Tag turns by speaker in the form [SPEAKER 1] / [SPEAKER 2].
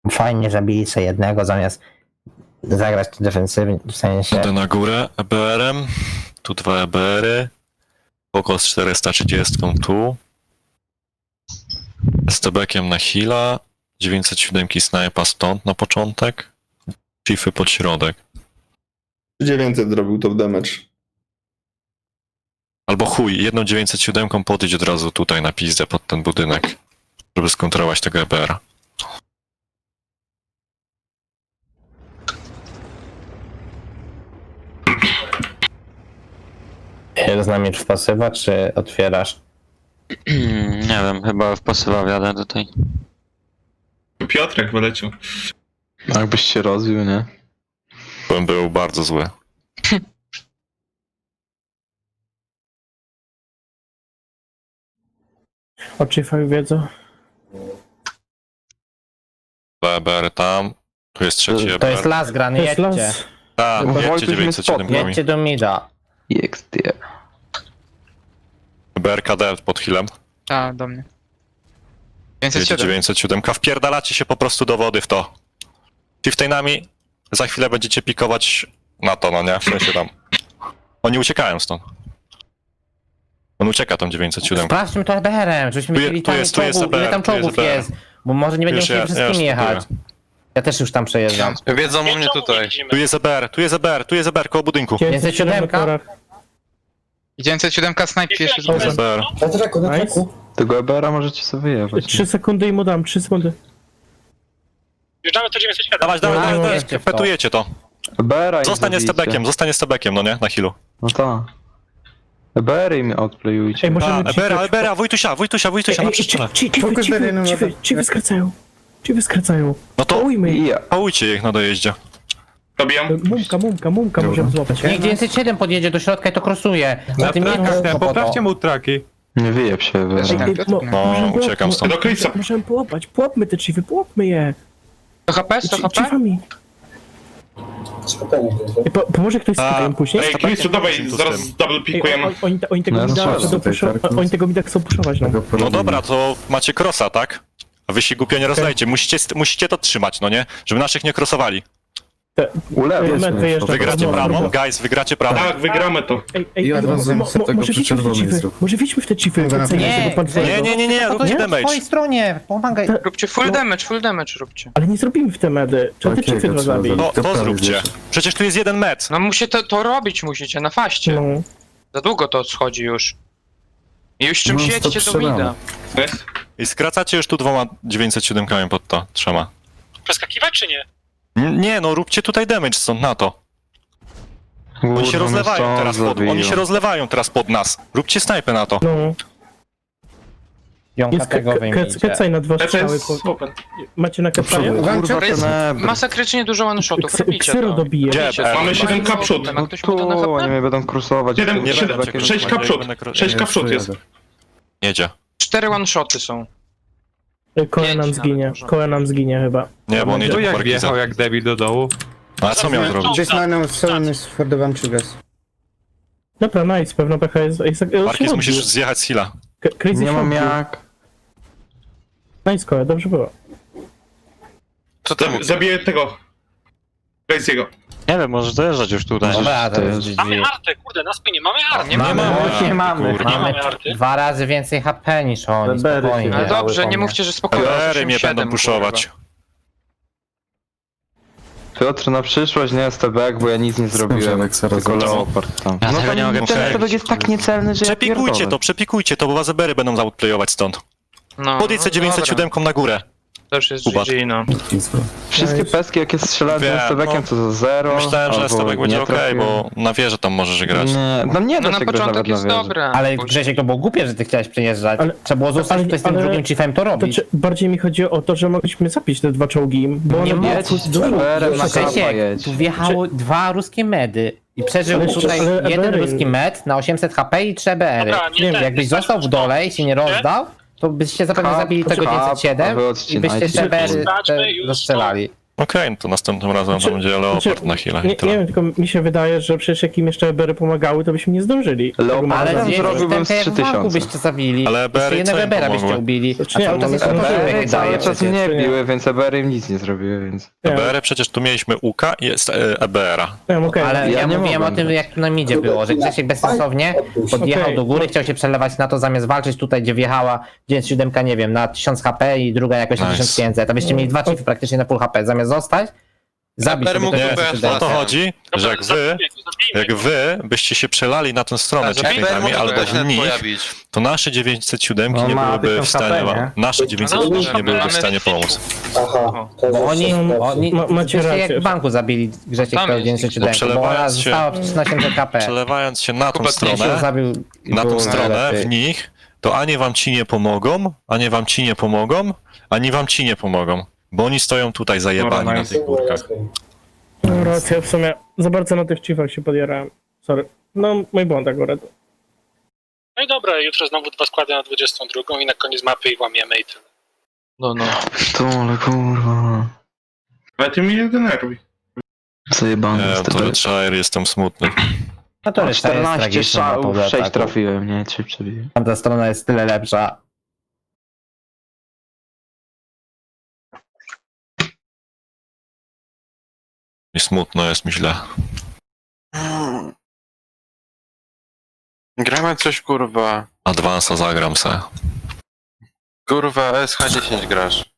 [SPEAKER 1] Fajnie zabili sobie jednego zamiast zagrać defensywnie, w sensie...
[SPEAKER 2] Idę na górę EBR-em. Tu 2 EBR-y. Poko z 430 tu. STB-kiem na heala. 907 snajpa stąd na początek. Chiefy pod środek.
[SPEAKER 3] 900 zrobił top damage.
[SPEAKER 2] Albo chuj, jedną 907 podejść od razu tutaj na pizdę pod ten budynek, żeby skontrolować tego EBR-a.
[SPEAKER 1] Z nami w pasywa, czy otwierasz?
[SPEAKER 4] Nie wiem, chyba w pasywa wjadę tutaj.
[SPEAKER 5] Piotrek wyleciał.
[SPEAKER 3] Jakbyś się rozwił, nie?
[SPEAKER 2] Bym był bardzo zły.
[SPEAKER 6] O Chiefach wiedzą.
[SPEAKER 2] 2 EBR tam. Tu jest trzeci
[SPEAKER 1] To
[SPEAKER 2] EBR.
[SPEAKER 1] jest las grany,
[SPEAKER 6] To jest
[SPEAKER 1] jedźcie.
[SPEAKER 6] los.
[SPEAKER 2] Tak,
[SPEAKER 3] Wojtuś
[SPEAKER 2] jedźcie
[SPEAKER 3] mnie
[SPEAKER 2] 907
[SPEAKER 3] spotnął.
[SPEAKER 1] Jedźcie do mida.
[SPEAKER 3] XD.
[SPEAKER 2] EBR KD pod healem.
[SPEAKER 7] A, do mnie.
[SPEAKER 2] Jedzie
[SPEAKER 7] 507.
[SPEAKER 2] 907. Wpierdalacie się po prostu do wody w to. Chieftainami za chwilę będziecie pikować na to, no nie? W sensie tam. Oni uciekają stąd. On ucieka tam 907.
[SPEAKER 1] Sprawdźmy to EBR-em, żebyśmy
[SPEAKER 2] Tu je-
[SPEAKER 1] mieli
[SPEAKER 2] tu
[SPEAKER 1] tam
[SPEAKER 2] jest
[SPEAKER 1] czołgów.
[SPEAKER 2] EBR,
[SPEAKER 1] Ile tam
[SPEAKER 2] tu jest
[SPEAKER 1] czołgów
[SPEAKER 2] EBR.
[SPEAKER 1] jest? Bo może nie będziemy
[SPEAKER 2] Wiesz,
[SPEAKER 1] musieli
[SPEAKER 2] ja
[SPEAKER 1] wszystkim
[SPEAKER 2] już
[SPEAKER 1] jechać. Ja też już tam przejeżdżam.
[SPEAKER 4] Wiedzą o mnie tutaj.
[SPEAKER 2] Tu jest EBR, tu jest EBR, tu jest EBR koło budynku.
[SPEAKER 1] 907
[SPEAKER 6] na torach.
[SPEAKER 7] 907 snipe pierwszy
[SPEAKER 2] Tu jest EBR.
[SPEAKER 6] Nice.
[SPEAKER 3] Tego EBR-a możecie sobie wyjechać.
[SPEAKER 6] 3 sekundy i mu dam, 3 sekundy.
[SPEAKER 5] Wjeżdżamy to 907.
[SPEAKER 2] Dawać,
[SPEAKER 1] No,
[SPEAKER 2] dawać,
[SPEAKER 1] jedźcie w to.
[SPEAKER 2] petujecie to.
[SPEAKER 3] EBR-a im
[SPEAKER 2] Zostanie z
[SPEAKER 3] zabijcie.
[SPEAKER 2] tebekiem, zostanie z tebekiem, no nie? Na healu.
[SPEAKER 3] No tak. EBR im outplayujcie.
[SPEAKER 6] Ej, możemy
[SPEAKER 2] EBR, Wojtusia, na przyczynę.
[SPEAKER 6] Chiefy skracają. Chiefy skracają.
[SPEAKER 2] No to
[SPEAKER 6] Ujmy ich.
[SPEAKER 3] Ja.
[SPEAKER 2] pałujcie ich na dojeździe.
[SPEAKER 5] Dobijam.
[SPEAKER 6] Mumka możemy złapać.
[SPEAKER 1] Niech 907 podjedzie do środka i to krosuje. Na tym
[SPEAKER 8] Poprawcie mu traki.
[SPEAKER 3] Nie wyjeb się EBR.
[SPEAKER 2] No, uciekam stąd.
[SPEAKER 5] Do Clipsa.
[SPEAKER 6] Możemy połapać. Pułapmy te chiefy, pułapmy je.
[SPEAKER 7] 100 HP, 100 HP?
[SPEAKER 6] Chiefami. Pomoże ktoś z
[SPEAKER 2] A,
[SPEAKER 6] krajem później?
[SPEAKER 5] Ej, Clipsu, dawaj, zaraz double
[SPEAKER 6] Ej,
[SPEAKER 5] pikujemy.
[SPEAKER 6] oni tego
[SPEAKER 3] No,
[SPEAKER 6] mida
[SPEAKER 3] strzelam
[SPEAKER 6] chcą puszować. Oni tego mida chcą puszować, no.
[SPEAKER 2] No dobra, to macie crossa, tak? A wy się głupio nie rozdajcie. Musicie to trzymać, no nie? Żeby naszych nie crossowali.
[SPEAKER 6] Wyjeżdża.
[SPEAKER 2] Wygracie prawą, guys, wygracie prawą.
[SPEAKER 5] Tak, wygramy to.
[SPEAKER 6] Ej, może widźmy w te chiefy. Może widźmy w te chiefy.
[SPEAKER 2] Nie, róbcie
[SPEAKER 1] Po
[SPEAKER 2] damage.
[SPEAKER 1] twojej stronie, pomagaj.
[SPEAKER 7] Róbcie full damage robcie.
[SPEAKER 6] Ale nie zrobimy w te medy. Trzeba te chiefy dwa zabić.
[SPEAKER 2] To zróbcie. Przecież tu jest jeden met.
[SPEAKER 7] No to robić musicie, na faście.
[SPEAKER 6] No.
[SPEAKER 7] Za długo to schodzi już. I już czymś jedźcie do mida.
[SPEAKER 5] Jest?
[SPEAKER 2] I skracacie już tu 2 907 pod to, 3.
[SPEAKER 5] Przeskakiwać czy nie?
[SPEAKER 2] Nie, no róbcie tutaj damage stąd na to. Oni się rozlewają teraz pod nas. Róbcie snajpę na to.
[SPEAKER 6] No.
[SPEAKER 1] Jąka
[SPEAKER 6] Jest
[SPEAKER 1] tego wyjmijcie.
[SPEAKER 6] kecaj na 2
[SPEAKER 5] To
[SPEAKER 6] strzały.
[SPEAKER 5] jest open.
[SPEAKER 6] Macie na kecaje?
[SPEAKER 7] To jest masakrycznie dużo one-shotów, robicie
[SPEAKER 6] Ksyro
[SPEAKER 7] to.
[SPEAKER 6] dobije.
[SPEAKER 2] Gdzie?
[SPEAKER 5] Mamy 7k przód.
[SPEAKER 7] Ma ktoś mu to na
[SPEAKER 3] Tu, oni
[SPEAKER 7] HP?
[SPEAKER 3] mnie będą krusować.
[SPEAKER 5] 6k przód. 6k przód jest.
[SPEAKER 2] Jedzie.
[SPEAKER 7] 4 one-shoty są.
[SPEAKER 6] Koe nam zginie. Koe nam zginie chyba.
[SPEAKER 2] Nie, bo on jedzie
[SPEAKER 8] Tu
[SPEAKER 2] po
[SPEAKER 8] jak
[SPEAKER 2] Parkiza.
[SPEAKER 8] wjechał jak debil do dołu.
[SPEAKER 2] A co miał zrobić?
[SPEAKER 6] Dobra, nice. Pewno pecha jest...
[SPEAKER 2] Parkiz musisz zjechać z heala.
[SPEAKER 6] Crazy
[SPEAKER 3] Nie mam
[SPEAKER 6] shot.
[SPEAKER 3] jak.
[SPEAKER 6] Nice, Koe, dobrze było.
[SPEAKER 2] Co ty
[SPEAKER 5] Zabiję tego. Crazy'ego.
[SPEAKER 4] Nie wiem, możesz dojeżdżać już tutaj.
[SPEAKER 1] Dobra, to jest GG.
[SPEAKER 5] Mamy artę, kurde, na spinie mamy artę.
[SPEAKER 7] Nie mamy.
[SPEAKER 1] Nie mamy.
[SPEAKER 2] Kurwa.
[SPEAKER 1] Mamy
[SPEAKER 5] arty.
[SPEAKER 1] 2 razy więcej HP niż oni, spokojnie.
[SPEAKER 7] Ale dobrze, nie mówcie, że spokojnie.
[SPEAKER 2] EBR-y mnie
[SPEAKER 7] 87,
[SPEAKER 2] będą puszować.
[SPEAKER 3] Piotr, na przyszłość nie STB, bo ja nic nie zrobiłem. Tylko Leopard tam.
[SPEAKER 4] Ja
[SPEAKER 3] No
[SPEAKER 4] tego nie mogę
[SPEAKER 3] ten STB
[SPEAKER 4] przebić.
[SPEAKER 3] jest tak niecelny, że ja
[SPEAKER 2] Przepikujcie to, bo was EBR-y będą zoutplayować stąd.
[SPEAKER 7] No,
[SPEAKER 2] Podjedźcie 907 na górę.
[SPEAKER 7] to już jest
[SPEAKER 2] Kubat.
[SPEAKER 7] GG, no.
[SPEAKER 3] Wszystkie peski jakie strzelałem
[SPEAKER 2] Wiem,
[SPEAKER 3] z STB-kiem to za 0.
[SPEAKER 2] Myślałem, że
[SPEAKER 3] albo
[SPEAKER 2] STB będzie
[SPEAKER 3] nie
[SPEAKER 2] okej,
[SPEAKER 3] trafiłem.
[SPEAKER 2] bo na wieżę tam możesz grać.
[SPEAKER 3] Nie, no nie
[SPEAKER 7] No
[SPEAKER 3] da
[SPEAKER 7] na
[SPEAKER 3] się grać
[SPEAKER 7] początek
[SPEAKER 3] nawet na
[SPEAKER 7] jest
[SPEAKER 3] wieży.
[SPEAKER 7] dobre.
[SPEAKER 1] Ale
[SPEAKER 7] Później-
[SPEAKER 1] Grzesiek, to było głupie, że ty chciałeś przyjeżdżać.
[SPEAKER 6] Ale-
[SPEAKER 1] Trzeba było zostać tutaj z tym
[SPEAKER 6] ale-
[SPEAKER 1] drugim chiefem to
[SPEAKER 6] To
[SPEAKER 1] robić.
[SPEAKER 6] bardziej mi chodzi o to, że mogliśmy zapić te 2 czołgi, bo
[SPEAKER 1] Nie
[SPEAKER 6] one
[SPEAKER 3] Jedź z EBR-em na kapa
[SPEAKER 1] Grzesiek,
[SPEAKER 3] jedź.
[SPEAKER 1] tu wjechały 2 ruskie medy. I przeżył
[SPEAKER 6] Ale-
[SPEAKER 1] tutaj
[SPEAKER 6] ale
[SPEAKER 1] jeden
[SPEAKER 6] EBR-y-
[SPEAKER 1] ruski med na 800 HP i 3 BR-y.
[SPEAKER 5] Dobra, nie ten.
[SPEAKER 1] Jakbyś został w dole i się nie rozdał, to byście zapewne
[SPEAKER 3] Kap,
[SPEAKER 1] zabili tego
[SPEAKER 3] kap, a
[SPEAKER 1] 907
[SPEAKER 3] wy
[SPEAKER 1] i
[SPEAKER 3] odcinajcie.
[SPEAKER 1] byście jeszcze BR-y
[SPEAKER 5] Zobaczmy już
[SPEAKER 1] rozstrzelali.
[SPEAKER 2] Okej, no to następnym razem to będzie Leopard na chwilę. i
[SPEAKER 6] Nie
[SPEAKER 2] tyle.
[SPEAKER 6] wiem, tylko mi się wydaje, że przecież jak im jeszcze Ebery pomagały, to byśmy nie zdążyli.
[SPEAKER 3] Leopard
[SPEAKER 6] Tego
[SPEAKER 1] Ale
[SPEAKER 3] Tam
[SPEAKER 1] zdjęcie
[SPEAKER 3] zrobiłbym z
[SPEAKER 1] wstępne jak w banku
[SPEAKER 3] 3000.
[SPEAKER 1] byście zabili.
[SPEAKER 2] Ale
[SPEAKER 1] Jeszcze
[SPEAKER 2] Ebery
[SPEAKER 1] jednego
[SPEAKER 2] co im
[SPEAKER 1] Ebera byście
[SPEAKER 2] pomogły?
[SPEAKER 1] ubili.
[SPEAKER 6] Znaczy nie,
[SPEAKER 1] A
[SPEAKER 6] ale
[SPEAKER 1] cały
[SPEAKER 6] to
[SPEAKER 1] czas
[SPEAKER 6] jest
[SPEAKER 1] jest
[SPEAKER 6] Ebery
[SPEAKER 3] Ebery cały
[SPEAKER 1] daje
[SPEAKER 3] czas
[SPEAKER 1] przecież.
[SPEAKER 3] mnie
[SPEAKER 6] czy nie?
[SPEAKER 3] biły, więc Ebery im nic nie zrobiły, więc...
[SPEAKER 2] EBR przecież tu mieliśmy UK i jest EBR-a.
[SPEAKER 6] Nie wiem, okej.
[SPEAKER 1] Ale
[SPEAKER 3] Ja
[SPEAKER 1] ja
[SPEAKER 3] nie
[SPEAKER 1] mówiłem o
[SPEAKER 3] mogłem
[SPEAKER 1] tym,
[SPEAKER 3] grać.
[SPEAKER 1] jak na midzie było, że Grzesiek bezsensownie podjechał
[SPEAKER 6] Okej.
[SPEAKER 1] do góry, chciał się przelewać na to, zamiast walczyć tutaj, gdzie wjechała 97, nie wiem, na 1000 HP i druga jakoś na
[SPEAKER 2] Nice.
[SPEAKER 1] 1500, a byście mieli dwa chiefy praktycznie na full HP, zamiast zostać, zabić
[SPEAKER 7] Eber
[SPEAKER 1] sobie
[SPEAKER 7] mógł
[SPEAKER 1] tego
[SPEAKER 7] pojechać
[SPEAKER 1] 97.
[SPEAKER 2] O to
[SPEAKER 7] Tak.
[SPEAKER 2] chodzi, że jak wy byście się przelali na tę stronę checkpointami albo w nich, to nasze 907
[SPEAKER 1] No,
[SPEAKER 2] nie
[SPEAKER 1] ma
[SPEAKER 2] byłyby
[SPEAKER 1] 1000
[SPEAKER 2] w stanie
[SPEAKER 1] HP,
[SPEAKER 2] wam,
[SPEAKER 1] nie?
[SPEAKER 2] nasze 907 nie byłyby w
[SPEAKER 7] mamy
[SPEAKER 2] stanie
[SPEAKER 7] film.
[SPEAKER 2] pomóc.
[SPEAKER 1] Bo oni
[SPEAKER 6] Macie
[SPEAKER 1] byście
[SPEAKER 6] rację.
[SPEAKER 1] jak w banku zabili Grzesiek
[SPEAKER 7] Tam
[SPEAKER 1] peł
[SPEAKER 7] jest.
[SPEAKER 1] 907,
[SPEAKER 2] No,
[SPEAKER 1] bo ona
[SPEAKER 2] przelewając się-
[SPEAKER 1] została przecież na 800 HP.
[SPEAKER 2] Przelewając się na tą
[SPEAKER 7] Kuba,
[SPEAKER 1] Grzesiek
[SPEAKER 2] stronę,
[SPEAKER 1] zabił i
[SPEAKER 2] na tą
[SPEAKER 1] było
[SPEAKER 2] stronę,
[SPEAKER 1] najlepiej.
[SPEAKER 2] w nich, to ani wam ci nie pomogą, ani wam ci nie pomogą, ani wam ci nie pomogą. Bo oni stoją tutaj zajebani na tych górkach.
[SPEAKER 6] No, racja, w sumie za bardzo na tych chiefach się podjarałem. Sorry. No, mój błąd akurat.
[SPEAKER 5] No i dobra, jutro znowu 2 składy na 22 i na koniec mapy ich łamiemy i tyle.
[SPEAKER 7] No.
[SPEAKER 3] To, ale kurwa...
[SPEAKER 5] Ale ty mnie nie denerwuj.
[SPEAKER 3] Zajebany
[SPEAKER 2] Nie,
[SPEAKER 3] jest
[SPEAKER 2] to
[SPEAKER 3] Ebery.
[SPEAKER 2] Redshire, jestem smutny.
[SPEAKER 1] No to reszta jest
[SPEAKER 3] 14
[SPEAKER 1] tragiczna na
[SPEAKER 3] strzałów,
[SPEAKER 1] połowie
[SPEAKER 3] 6
[SPEAKER 1] ataku.
[SPEAKER 3] trafiłem, nie? 3 przebiłem.
[SPEAKER 1] Tamta strona jest tyle lepsza.
[SPEAKER 2] I smutno jest mi źle.
[SPEAKER 9] Gramy coś kurwa.
[SPEAKER 2] Advansa zagram se.
[SPEAKER 9] Kurwa SH10 grasz.